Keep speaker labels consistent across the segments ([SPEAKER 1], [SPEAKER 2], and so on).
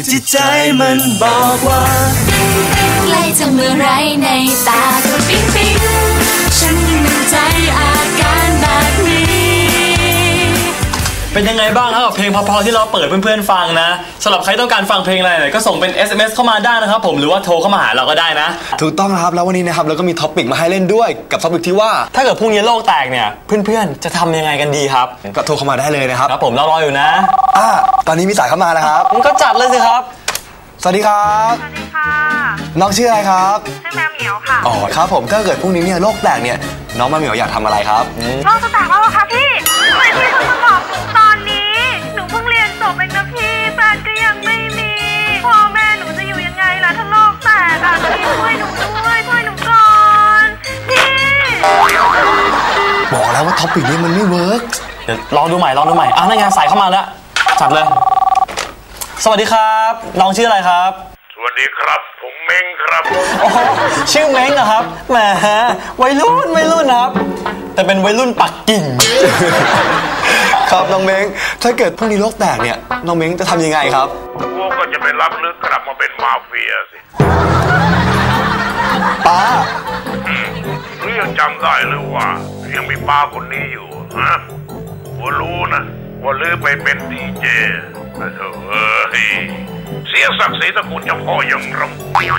[SPEAKER 1] จิตใจมันบอกว่าใกล้จะเมื่อไรในตาก็ปิ๊งปิ๊งฉันมั่นใจอาการแบบนี้
[SPEAKER 2] เป็นยังไงบ้างครับเพลงพอๆที่เราเปิดเพื่อนๆฟังนะสำหรับใครต้องการฟังเพลงอะไรก็ส่งเป็น SMS เข้ามาได้นะครับผมหรือว่าโทรเข้ามาหาเราก็ได้นะ
[SPEAKER 3] ถูกต้องนะครับแล้ววันนี้นะครับเราก็มีท็อปิกมาให้เล่นด้วยกับท็อปิกที่ว่า
[SPEAKER 2] ถ้าเกิดพรุ่งนี้โลกแตกเนี่ยเพื่อนๆจะทำยังไงกันดีครับ
[SPEAKER 3] ก็โทรเข้ามาได้เลยนะครับ
[SPEAKER 2] ครับผมรออยู่นะ
[SPEAKER 3] ตอนนี้มีสายเข้ามาแล้วครับ
[SPEAKER 2] ก็จัดเลยสิครับ
[SPEAKER 3] สวัสดีครับ
[SPEAKER 4] สวัสดีค่ะ
[SPEAKER 3] น้องชื่ออะไรครับ
[SPEAKER 4] ชื่อแมวเหมียวค่ะ
[SPEAKER 3] อ๋อครับผมถ้าเกิดพรุ่งนี้เนี่ยโลกแตกเนี่ยน้องแมวเหมียวอยากทำอะไรครับ
[SPEAKER 4] โลกจะแตกแล้วเหรอคะพี่ทำไมพี่คุณมาบอกตอนนี้หนูเพิ่งเรียนจบเองนะพี่แฟนก็ยังไม่มีพ่อแม่หนูจะอยู่ยังไงล่ะถ้าโลกแตกพี่ช่วยหนูด้วยช่วยหนูก่อนพี่
[SPEAKER 3] บอกแล้วว่าท็อปิกนี้มันไม่เวิร์ก
[SPEAKER 2] เดี๋ยวลองดูใหม่นั่นไงสายเข้ามาแล้วจัดเลยสวัสดีครับน้องชื่ออะไรครับ
[SPEAKER 5] สวัสดีครับผมเม้งครับ
[SPEAKER 2] โอ้ชื่อเม้งเหรอครับแหมวัยรุ่นครับแต่เป็นวัยรุ่นปักกิ่ง
[SPEAKER 3] ครับน้องเม้งถ้าเกิดพรุ่งนี้โลกแตกเนี่ยน้องเม้งจะทำยังไงครับ
[SPEAKER 5] กูก็จะไปรับลึกกลับมาเป็นมาเฟียสิ
[SPEAKER 3] ป้า
[SPEAKER 5] หรือยังจำได้หรือว่ายังมีป้าคนนี้อยู่ฮะกูรู้นะว่าลือไปเป็นดีเจเสียศักดิ์ศรีตระกูลเจ้าพ่ออย่างเรา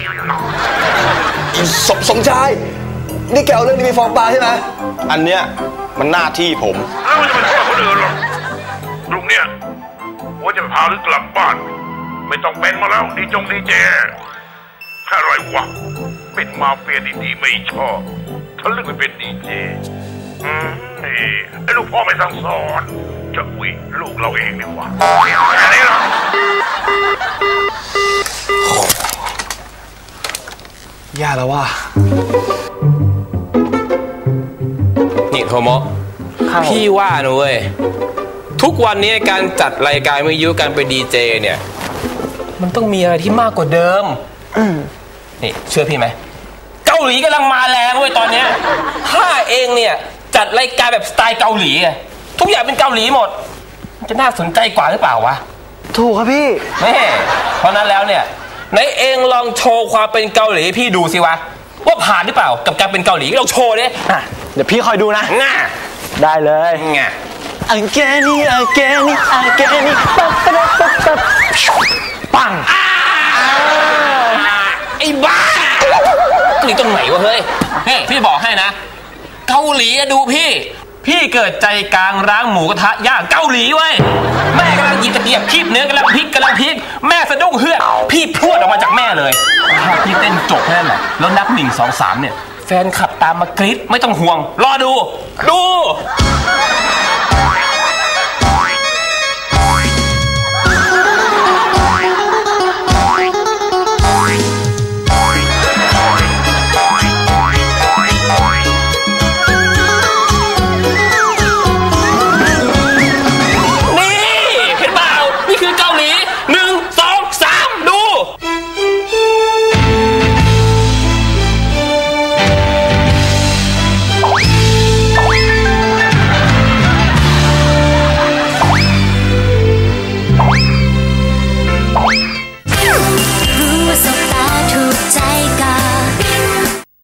[SPEAKER 3] สมชายนี่แกเอาเรื่องนี้ไปฟ้องป้าใช่ไหม
[SPEAKER 6] อันเนี้ยมันหน้าที่ผม
[SPEAKER 5] แล้วมันจะไปฟ้องคนอื่นหรอลุงเนี่ยว่าจะพาลึกกลับบ้านไม่ต้องเป็นมาแล้วดีเจอะไรวะเป็นมาเฟียดีๆไม่ชอบถ้าลึกไปเป็นดีเจไอ้ลูกพ่อไม่สั่งสอนจะลูกเราเองดีกว่าแค่นี้หรอ
[SPEAKER 3] แย่แล้วว่ะ
[SPEAKER 6] นี่โทโมะพี่ว่านะเว้ยทุกวันนี้การจัดรายการวิทยุการเป็นดีเจเนี่ยมันต้องมีอะไรที่มากกว่าเดิมนี่เชื่อพี่ไหมเกาหลีกำลังมาแรงเว้ยตอนเนี้ยถ้าเองเนี่ยจัดรายการแบบสไตล์เกาหลีทุกอย่างเป็นเกาหลีหมดจะน่าสนใจกว่าหรือเปล่าวะ
[SPEAKER 3] ถูกครับพี่
[SPEAKER 6] เพราะนั้นแล้วเนี่ยไหนเองลองโชว์ความเป็นเกาหลีพี่ดูสิวะว่าผ่านหรือเปล่ากับการเป็นเกาหลีลองโชว์ดิ
[SPEAKER 3] เดี๋ยวพี่คอยดูนะได้เลยอังเกนี่ปัง
[SPEAKER 6] ไอ้บ้าเกาหลีตรงไหนวะเฮ้ยพี่บอกให้นะเกาหลีดูพี่เกิดใจกลางร้านหมูกระทะย่างเกาหลีเว้ยแม่กำลังหยิบตะเกียบคีบเนื้อกำลังพลิกแม่สะดุ้งเฮือกพี่พรวดออกมาจากแม่เลยถ้าพี่เต้นจบแค่นั้นแหละแล้วนับ1 2 3เนี่ยแฟนขับตามมากรี๊ดไม่ต้องห่วงรอดู